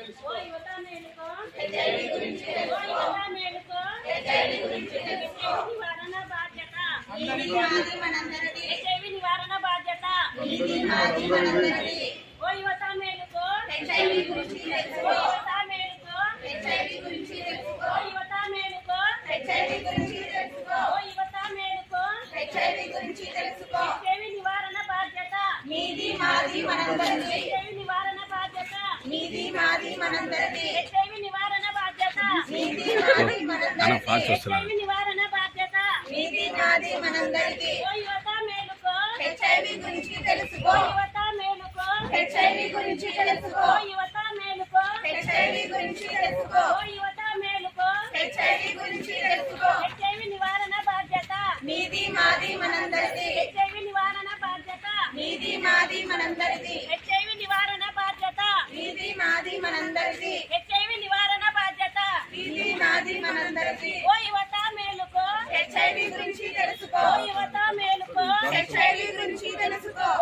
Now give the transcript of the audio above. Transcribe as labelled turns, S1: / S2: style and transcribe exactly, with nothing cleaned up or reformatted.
S1: తెలుసుకో.
S2: ఓ యువత మేలుకో,
S1: హెచ్ఐవి గురించి
S2: ఓ
S1: తెలుసుకో.
S2: యువత మేలుకో,
S1: హెచ్ఐవి గురించి తెలుసుకో.
S2: హెచ్ఐవి నివారణ బాధ్యత
S1: మీది మాది మనందరిది.
S2: హెచ్ఐవి నివారణ బాధ్యత
S1: మీది మాది మనందరిది.
S2: ఓ యువత మేలుకో,
S1: హెచ్ఐవి గురించి
S2: ఓ
S1: తెలుసుకో.
S2: యువత మేలుకో,
S1: హెచ్ఐవి గురించి తెలుసుకో.
S2: ఓ యువత మేలుకో,
S1: హెచ్ఐవి గురించి తెలుసుకో.
S2: ఓ యువత మేలుకో,
S1: హెచ్ఐవి గురించి తెలుసుకో.
S2: హెచ్ఐవి నివారణ బాధ్యత
S1: మీది మాది మనందరిది.
S2: హెచ్ఐవి నివారణ బాధ్యత
S1: మీది మాది మనందరిది.
S2: హెచ్ఐవి నివారణ బాధ్యత
S1: మీది మాది మనందరిది.
S2: హెచ్ఐవి నివారణ బాధ్యత
S1: మీది మాది మనందరిది.
S2: ఓ యువత మేలుకో,
S1: హెచ్ఐవి గురించి తెలుసుకో.
S2: ఓ యువత మేలుకో,
S1: హెచ్ఐవి గురించి తెలుసుకో.
S2: ఓ యువత మేలుకో,
S1: హెచ్ఐవి గురించి తెలుసుకో.
S2: ఓ యువత మేలుకో,
S1: హెచ్ఐవి గురించి తెలుసుకో.
S2: హెచ్ఐవి నివారణ బాధ్యత
S1: మీది మాది మనందరిది.
S2: హెచ్ఐవి నివారణ బాధ్యత
S1: మీది మాది మనందరిది.
S2: హెచ్ఐవి నివారణ బాధ్యత
S1: మీది మాది మనందరిది.
S2: హెచ్ఐవి నివారణ బాధ్యత
S1: మీది మాది మనందరిది.
S2: ఓ యువత మేలుకో,
S1: హెచ్ఐవి గురించి తెలుసుకో.
S2: ఓ యువత మేలుకో,
S1: హెచ్ఐవి గురించి తెలుసుకో.
S2: ఓ